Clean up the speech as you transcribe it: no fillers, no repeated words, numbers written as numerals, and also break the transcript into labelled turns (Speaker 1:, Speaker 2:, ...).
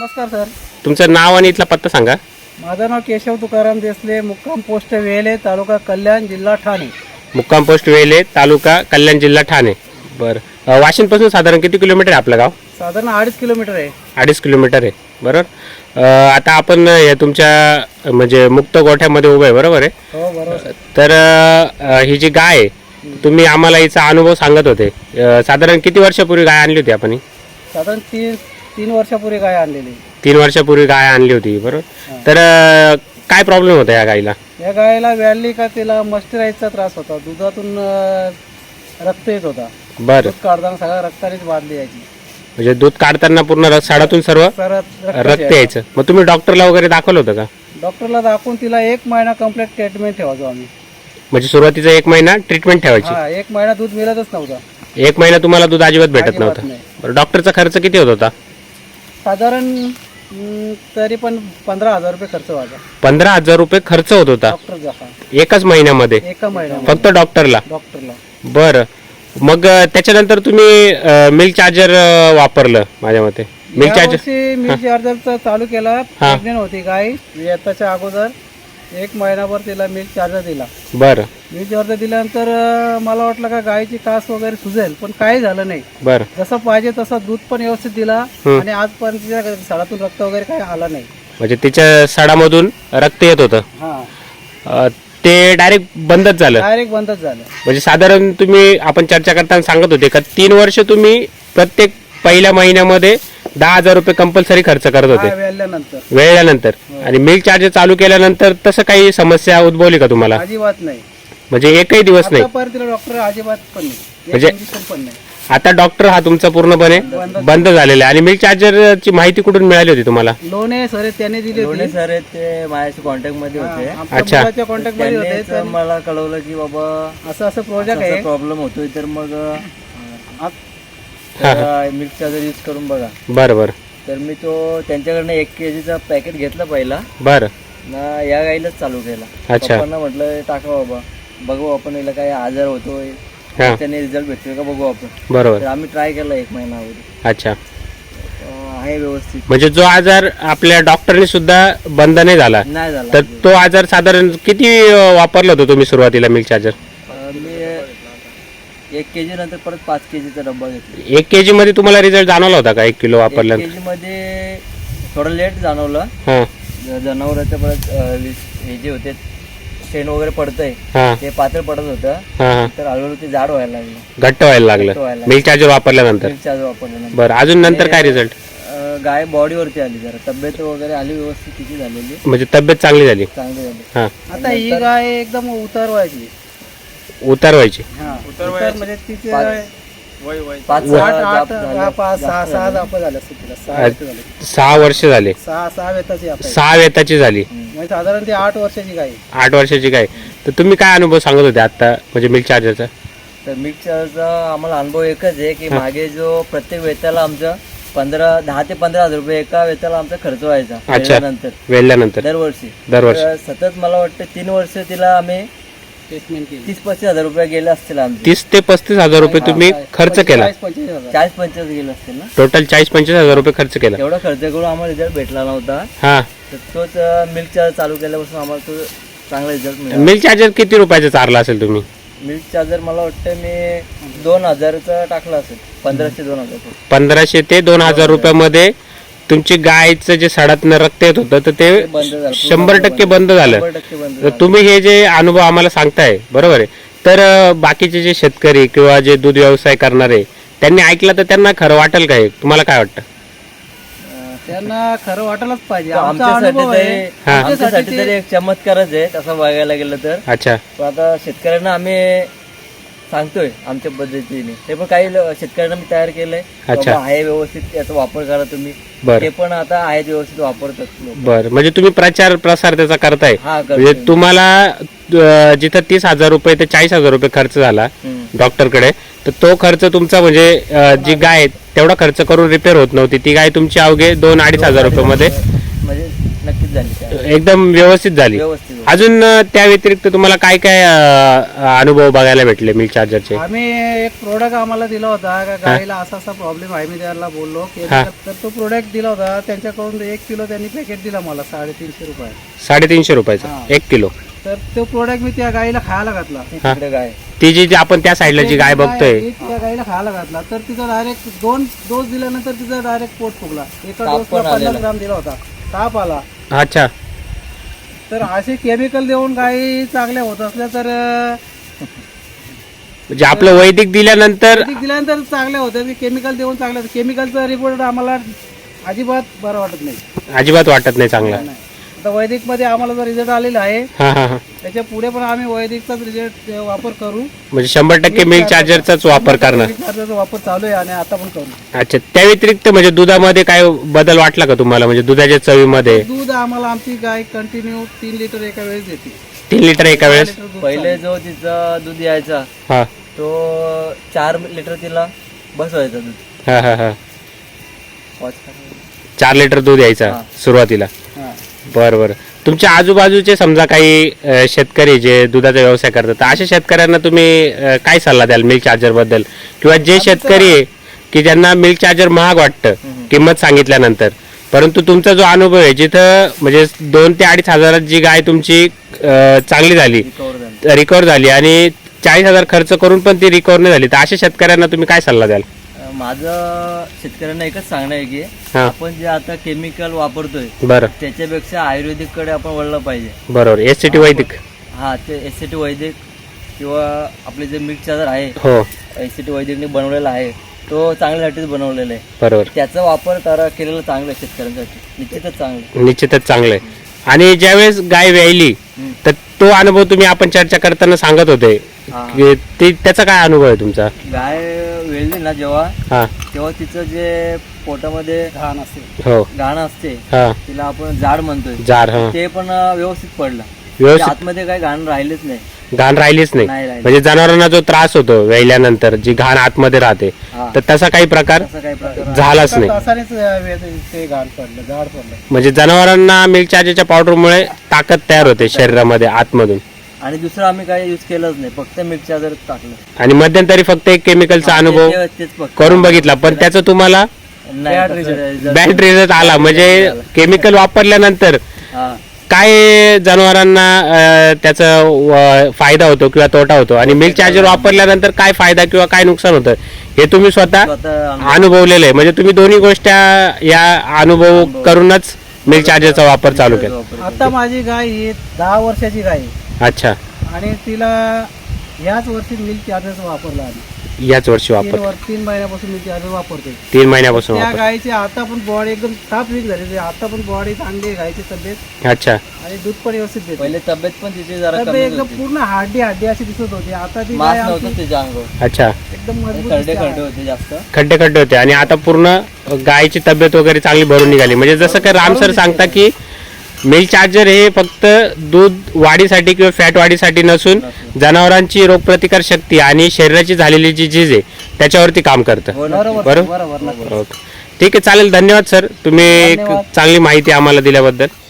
Speaker 1: नमस्कार सर.
Speaker 2: तुमचं नाव आणि इथला पत्ता सांगा.
Speaker 1: माझं नाव केशव तुकाराम देसले, मुक्काम पोस्ट वेले, तालुका कल्याण, जिल्हा ठाणे.
Speaker 2: मुक्काम पोस्ट वेले, तालुका कल्याण, जिल्हा ठाणे. बरं, वाशिंदपासून साधारण किती किलोमीटर आहे आपलं गाव?
Speaker 1: साधारण 2.5 किलोमीटर आहे.
Speaker 2: 2.5 किलोमीटर आहे. बरोबर. आता आपण हे तुमच्या म्हणजे मुक्त गोठ्यामध्ये उभं आहे, बरोबर आहे?
Speaker 1: हो बरोबर.
Speaker 2: तर ही जी गाय आहे, तुम्ही आम्हाला हिचा अनुभव सांगत होते. साधारण किती वर्षापूर्वी गाय आणली होती आपण?
Speaker 1: साधारण 3 वर्षापूर्वी गाय आणलेली.
Speaker 2: 3 वर्षापूर्वी गाय आणली होती, बरोबर. तर काय प्रॉब्लेम होता या गायीला?
Speaker 1: या गायला व्याली का तिला मस्टराईजचा त्रास होता. दुधातून रक्त येत होता.
Speaker 2: बरं,
Speaker 1: दूध काढताना सगळ्या रक्तानेच बादली यायची.
Speaker 2: म्हणजे दूध काढताना पूर्ण साडातून सर्व रक्त यायचं. मग तुम्ही डॉक्टरला वगैरे दाखवलं होतं का?
Speaker 1: डॉक्टरला दाखवून तिला 1 महिना कंप्लीट ट्रीटमेंट ठेवायचो आम्ही.
Speaker 2: म्हणजे सुरुवातीचा 1 महिना ट्रीटमेंट ठेवायची.
Speaker 1: हा, 1 महिना दूध मिळतच नव्हता.
Speaker 2: 1 महिना तुम्हाला दूध अजिबात भेटत
Speaker 1: अजिबात
Speaker 2: नव्हतं.
Speaker 1: नाही.
Speaker 2: बरं, डॉक्टरचा खर्च किती होत होता?
Speaker 1: साधारण तरी पण 15,000 रुपये खर्च व्हायचा.
Speaker 2: 15,000 रुपये खर्च होत होता
Speaker 1: डॉक्टरचा. हा,
Speaker 2: एकाच महिन्यामध्ये,
Speaker 1: 1 महिना
Speaker 2: फक्त डॉक्टरला.
Speaker 1: डॉक्टरला.
Speaker 2: बरं, मग त्याच्यानंतर तुम्ही मिल्क चार्जर वापरलं माझ्या मते. मिल्क चार्जर
Speaker 1: मिल्क चार्जरचा चालू केला. प्रेग्नेंट होती गाय. येताच्या अगोदर 1 महिनाभर तिला मिल्क चार्जर दिला.
Speaker 2: बरं
Speaker 1: मिल्क चार्जर दिल्यानंतर मला वाटलं का गायची कास वगैरे सुजेल, पण काही झालं नाही.
Speaker 2: बरं
Speaker 1: जसं पाहिजे तसं दूध पण व्यवस्थित दिला आणि आजपर्यंत तिच्या साडातून रक्त वगैरे काही आलं नाही.
Speaker 2: म्हणजे तिच्या साडामधून रक्त येत होतं.
Speaker 1: हा,
Speaker 2: ते डायरेक्ट बंदच झालं.
Speaker 1: डायरेक्ट बंदच झालं.
Speaker 2: म्हणजे साधारण तुम्ही आपण चर्चा करताना सांगत होते का 3 वर्ष तुम्ही प्रत्येक पहिल्या महिन्यामध्ये 10,000 रुपये कंपल्सरी खर्च करत होते वेळल्यानंतर. आणि मिल्क चार्जर चालू केल्यानंतर तसं काही समस्या उद्भवली का तुम्हाला?
Speaker 1: अजिबात नाही.
Speaker 2: म्हणजे एकही दिवस नाही?
Speaker 1: तिला डॉक्टर अजिबात पण नाही.
Speaker 2: म्हणजे
Speaker 1: पण नाही.
Speaker 2: आता डॉक्टर हा तुमचा पूर्णपणे बंद झालेला आहे. आणि मिल्क चार्जरची माहिती कुठून मिळाली होती तुम्हाला?
Speaker 1: लोणे सर त्यांनी दिली होती.
Speaker 3: सर ते माझ्याशी कॉन्टॅक्ट मध्ये होते.
Speaker 2: अच्छा.
Speaker 1: कॉन्टॅक्ट मध्ये होते.
Speaker 3: त्यांनीच मला कळवलं की बाबा
Speaker 1: असं प्रोजेक्ट आहे,
Speaker 3: प्रॉब्लेम होतोय, तर मग मिल्क चार्जर यूज करून बघा.
Speaker 2: बरं बरं.
Speaker 3: तर मी तो त्यांच्याकडनं 1 kg पॅकेट घेतला पहिला
Speaker 2: बरं
Speaker 3: ना, या गाईलाच चालू केला.
Speaker 2: अच्छा.
Speaker 3: पप्पांना म्हटलं टाका बाबा, बघू आपण याला काय आजार होतोय,
Speaker 2: हा.
Speaker 3: त्याने रिझल्ट भेटतोय का बघू आपण.
Speaker 2: बरोबर.
Speaker 3: तर आम्ही ट्राय केला 1 महिना अगोदर.
Speaker 2: अच्छा.
Speaker 3: आहे व्यवस्थित.
Speaker 2: म्हणजे जो आजार आपल्या डॉक्टरने सुद्धा बंद नाही झाला,
Speaker 3: नाही झाला.
Speaker 2: तर तो आजार साधारण किती वापरला होता तुम्ही सुरुवातीला मिल्क चार्जर?
Speaker 3: मी 1 kg नंतर परत 5 kg चा डब्बा घेतला.
Speaker 2: 1 kg मध्ये तुम्हाला रिझल्ट जाणवला होता का 1 किलो
Speaker 3: 1
Speaker 2: वापरल्यानंतर?
Speaker 3: kg मध्ये थोडं लेट जाणवलं.
Speaker 2: हां
Speaker 3: जनावरांचं परत हे जे होते शेण वगैरे पडतंय
Speaker 2: हां
Speaker 3: ते पातळ पडत होतं.
Speaker 2: हां
Speaker 3: तर हळूहळू ते जाड व्हायला लागलं.
Speaker 2: घट्ट व्हायला
Speaker 3: घट्ट
Speaker 2: लागलं
Speaker 3: व्हायला
Speaker 2: मिल्क चार्जर वापरल्यानंतर.
Speaker 3: मिल्क चार्जर वापरल्यानंतर.
Speaker 2: बरं, अजून नंतर काय रिझल्ट?
Speaker 3: गाय बॉडीवरती आली, जरा तब्येत वगैरे आली व्यवस्थित तिची झालेली,
Speaker 2: म्हणजे तब्येत चांगली झाली?
Speaker 3: चांगली झाली.
Speaker 2: हां.
Speaker 1: आता ही गाय एकदम उतरवायची.
Speaker 2: उतारवायची?
Speaker 1: उतर म्हणजे तिचे 6 दाप झाले असतील तिला. 6 वर्ष झाले.
Speaker 2: 6 वर्ष झाले.
Speaker 1: 6 वेताची आपण.
Speaker 2: 6 वेताची झाली.
Speaker 1: म्हणजे साधारण ती 8 वर्षाची गाय.
Speaker 2: 8 वर्षाची काय? तर तुम्ही काय अनुभव सांगत होते आता म्हणजे मिल्क चार्जरचा?
Speaker 3: तर मिल्क चार्जरचा आम्हाला अनुभव एकच आहे की मागे जो प्रत्येक वेताला आमचा 10 ते 15,000 रुपये एका वेताला आमचा खर्च व्हायचा.
Speaker 2: अच्छा. वेळल्यानंतर
Speaker 3: दरवर्षी.
Speaker 2: दरवर्षी
Speaker 3: सतत मला वाटतं 3 वर्ष तिला आम्ही
Speaker 1: ट्रीटमेंट केली.
Speaker 3: 30-35 हजार रुपये गेले असतील आमचे.
Speaker 2: 30 ते 35 रुपये तुम्ही खर्च केला?
Speaker 3: 40-45 गेले असतील ना.
Speaker 2: टोटल 40-45 रुपये खर्च केला.
Speaker 3: एवढा खर्च करून आम्हाला रिझल्ट भेटला नव्हता.
Speaker 2: हा.
Speaker 3: तर तोच मिल्क चार्जर चालू केल्यापासून आम्हाला तो चांगला रिझल्ट मिळाला.
Speaker 2: मिल्क चार्जर किती रुपयाचा चारला असेल तुम्ही?
Speaker 3: मिल्क चार्जर मला वाटतं मी 2,000चा टाकला असेल. 1500-2,000.
Speaker 2: 1500 ते 2,000 रुपयामध्ये तुमची गायचं जे सडातनं रक्त येत होतं तर ते
Speaker 3: बंद झालं.
Speaker 2: 100% बंद झालं.
Speaker 3: 100% बंद
Speaker 2: तर
Speaker 3: झालं.
Speaker 2: तुम्ही हे जे अनुभव आम्हाला सांगताय, बरोबर आहे, तर बाकीचे जे शेतकरी किंवा जे दूध व्यवसाय करणारे त्यांनी ऐकलं तर त्यांना खरं वाटेल का? हे तुम्हाला काय वाटतं?
Speaker 1: त्यांना खरं वाटायलाच पाहिजे.
Speaker 3: आमच्यासाठी तरी एक चमत्कारच आहे तसं बघायला गेलं तर.
Speaker 2: अच्छा.
Speaker 3: पण आता शेतकऱ्यांना आम्ही सांगतोय आमच्या पद्धतीने. ते पण काही शेतकऱ्यांना मी तयार केलंय.
Speaker 2: अच्छा.
Speaker 3: आहे व्यवस्थित याचा वापर करा तुम्ही.
Speaker 2: बरं.
Speaker 3: ते पण आता आहेत व्यवस्थित वापरतात लोक.
Speaker 2: बरं, म्हणजे तुम्ही प्रचार प्रसार त्याचा करताय.
Speaker 3: हा,
Speaker 2: म्हणजे तुम्हाला जिथं 30,000 रुपये ते 40,000 रुपये खर्च झाला डॉक्टरकडे, तर तो खर्च तुमचा म्हणजे जी गाय तेवढा खर्च करून रिपेअर होत नव्हती, ती गाय तुमची अवघे 2-2.5 हजार रुपये मध्ये
Speaker 3: म्हणजे नक्की झाली
Speaker 2: एकदम व्यवस्थित झाली.
Speaker 3: व्यवस्थित.
Speaker 2: अजून त्या व्यतिरिक्त तुम्हाला काय काय अनुभव बघायला भेटले मिल्क चार्जरचे?
Speaker 1: आम्ही एक प्रोडक्ट आम्हाला दिला होता का गाईला असा असा प्रॉब्लेम आहे, मी त्याला बोललो की
Speaker 2: हा.
Speaker 1: तर तो प्रोडक्ट दिला होता त्यांच्याकडून 1 किलो त्यांनी पॅकेट दिला मला 350 रुपये.
Speaker 2: 350 रुपयाचा
Speaker 1: हा.
Speaker 2: 1 किलो.
Speaker 1: तर तो प्रोडक्ट मी त्या गाईला खायला घातला.
Speaker 3: तिकडे काय
Speaker 2: ती जी आपण त्या साईडला जी गाय बघतोय
Speaker 1: त्या गाईला खायला घातला तर तिचा डायरेक्ट 2 डोस दिल्यानंतर तिचा डायरेक्ट पोट फुगला. एका
Speaker 3: ताप
Speaker 1: डोसला
Speaker 3: पण
Speaker 1: 50
Speaker 3: आलेला.
Speaker 1: ग्राम दिला होता, ताप आला.
Speaker 2: अच्छा.
Speaker 1: तर असे केमिकल देऊन गाई चांगल्या होत असल्या तर
Speaker 2: म्हणजे आपलं वैदिक दिल्यानंतर
Speaker 1: वैदिक दिल्यानंतर चांगल्या होत्या, केमिकल देऊन चांगल्या. केमिकलचा रिपोर्ट आम्हाला अजिबात बरं वाटत नाही.
Speaker 2: अजिबात वाटत नाही चांगला.
Speaker 1: नाही. आता वैदिक मध्ये आम्हाला जो रिझल्ट आलेला आहे
Speaker 2: हा हा हा.
Speaker 1: त्याच्या पुढे पण आम्ही वैदिकचाच रिझल्ट वापर करू.
Speaker 2: म्हणजे 100% मिल्क चार्जरचाच वापर करणार.
Speaker 1: मिल्क चार्जरचा वापर चालू आहे आणि आता पण करू.
Speaker 2: अच्छा. त्या व्यतिरिक्त म्हणजे दुधामध्ये काय बदल वाटला का तुम्हाला, म्हणजे दुधाच्या चवीमध्ये?
Speaker 1: दूध आम्हाला आमची गाय कंटिन्यू 3 लिटर एका वेळेस देते.
Speaker 2: 3 लिटर एका वेळेस?
Speaker 1: 3 लिटर दूध
Speaker 3: पहिले जो तिचा दूध यायचा
Speaker 2: हा
Speaker 3: तो 4 लिटर तिला बसवायचा दूध.
Speaker 2: हा हा हा.
Speaker 3: वॉच करा.
Speaker 2: 4 लिटर दूध यायचा
Speaker 3: हा.
Speaker 2: सुरुवातीला.
Speaker 1: हा.
Speaker 2: बरं बरं. तुमच्या आजूबाजूचे समजा काही शेतकरी जे दुधाचा व्यवसाय करतात, तर अशा शेतकऱ्यांना तुम्ही काय सल्ला द्याल मिल्क चार्जर बद्दल? किंवा जे शेतकरी आहे की ज्यांना मिल्क चार्जर महाग वाटतं किंमत सांगितल्यानंतर, परंतु तुमचा जो अनुभव आहे जिथं म्हणजे 2 ते 2.5 हजारात जी गाय तुमची चांगली झाली,
Speaker 3: रिकवर झाली.
Speaker 2: रिकवर झाली आणि 40,000 खर्च करून पण ती रिकवर नाही झाली, तर अशा शेतकऱ्यांना तुम्ही काय सल्ला द्याल?
Speaker 3: माझं शेतकऱ्यांना एकच सांगणं आहे की
Speaker 2: हा.
Speaker 3: आपण जे आता केमिकल वापरतोय
Speaker 2: बरं.
Speaker 3: त्याच्यापेक्षा आयुर्वेदिक कडे आपण वळलं पाहिजे.
Speaker 2: बरोबर. SCT वैदिक.
Speaker 3: हा, ते SCT वैदिक किंवा आपले जे मिल्क चार्जर आहे
Speaker 2: हो
Speaker 3: SCT वैदिकने बनवलेला आहे, तो चांगल्यासाठीच बनवलेला आहे.
Speaker 2: बरोबर.
Speaker 3: त्याचा वापर केलेला चांगला आहे शेतकऱ्यांसाठी, निश्चितच चांगलं आहे.
Speaker 2: निश्चितच चांगलं आहे. आणि ज्यावेळेस गाय व्यायली तर तो अनुभव तुम्ही आपण चर्चा करताना सांगत होते
Speaker 3: हा.
Speaker 2: की त्याचा काय अनुभव आहे तुमचा?
Speaker 3: गाय वेळली ना जेव्हा,
Speaker 2: हा.
Speaker 3: तेव्हा तिचं जे पोटामध्ये
Speaker 1: घाण असते.
Speaker 2: हो.
Speaker 3: घाण असते,
Speaker 2: हा.
Speaker 3: तिला आपण जाड म्हणतोय,
Speaker 2: जार. हा.
Speaker 3: ते पण व्यवस्थित पडलं.
Speaker 2: व्यवस्थित
Speaker 3: आतमध्ये काही घाण राहिलेच नाही.
Speaker 2: घाण राहिलीच नाही.
Speaker 3: नाही राहिली.
Speaker 2: म्हणजे जनावरांना जो त्रास होतो व्यायल्यानंतर जी घाण आतमध्ये राहते,
Speaker 3: हा.
Speaker 2: तर तसा काही प्रकार
Speaker 3: असं काही प्रकार
Speaker 2: झालाच नाही.
Speaker 1: तासानेच ते घाण पडलं, झाड पडलं.
Speaker 2: म्हणजे जनावरांना मिल्क चार्जरच्या पावडरमुळे ताकद तयार होते शरीरामध्ये आतमधून.
Speaker 3: आणि दुसरं आम्ही काही यूज केलंच नाही, फक्त मिल्क चार्जर टाकलं.
Speaker 2: आणि मध्यंतरी फक्त एक केमिकलचा अनुभव
Speaker 3: तेच फक्त
Speaker 2: करून बघितला, पण त्याचं तुम्हाला
Speaker 3: नाही,
Speaker 1: Bad
Speaker 3: तसं
Speaker 1: result.
Speaker 2: बॅड रिझल्ट आला. म्हणजे केमिकल वापरल्यानंतर
Speaker 3: हा.
Speaker 2: काय जनावरांना त्याचा फायदा होतो किंवा तोटा होतो, आणि मिल्क चार्जर वापरल्यानंतर काय फायदा किंवा काय नुकसान होतं हे तुम्ही स्वतः
Speaker 3: स्वतः
Speaker 2: अनुभवलेलं आहे. म्हणजे तुम्ही दोन्ही गोष्टी या अनुभव करूनच मिल्क चार्जरचा वापर चालू केला.
Speaker 1: आता माझी गाय ही 10 वर्षाची गाय आहे
Speaker 2: अच्छा.
Speaker 1: आणि तिला याच वर्षी मिल्क चार्जरचा वापरला आम्ही.
Speaker 2: याच वर्षी वापर
Speaker 1: 3 महिन्यापासून मिल्क चार्जर वापरतोय.
Speaker 2: 3 महिन्यापासून
Speaker 1: त्या
Speaker 2: वापर.
Speaker 1: गायची आता पण बॉडी एकदम साफ वीक झाली, आता पण बॉडी चांगली आहे गायची तब्येत,
Speaker 2: अच्छा.
Speaker 1: आणि दूध पण व्यवस्थित देते.
Speaker 3: पहिले तब्येत पण तिची जरा
Speaker 1: तब्येत
Speaker 3: कमी
Speaker 1: एकदम
Speaker 3: होती,
Speaker 1: पूर्ण हड्डी अशी दिसत होती. आता ती
Speaker 3: मांस
Speaker 1: गाय
Speaker 3: नव्हतं
Speaker 1: आमची
Speaker 3: तिच्या अंगावर,
Speaker 2: अच्छा.
Speaker 1: एकदम मजबूत
Speaker 3: खड्डे
Speaker 1: दिसते.
Speaker 3: खड्डे होते जास्त.
Speaker 2: खड्डे खड्डे होते आणि आता पूर्ण गायची तब्येत वगैरे चांगली भरून निघाली. म्हणजे जसं काही राम सर सांगता की मिल्क चार्जर हे फक्त दूध वाढीसाठी किंवा फॅट वाढीसाठी नसून जनावरांची रोगप्रतिकार शक्ती आणि शरीराची झालेली जी झीज आहे त्याच्यावरती काम करतं.
Speaker 3: हो ना.
Speaker 1: बरोबर
Speaker 2: बरोबर.
Speaker 1: बरोबर.
Speaker 2: ओके. ठीक आहे, चालेल. धन्यवाद सर, तुम्ही एक
Speaker 1: धन्यवाद.
Speaker 2: चांगली माहिती आम्हाला दिल्याबद्दल.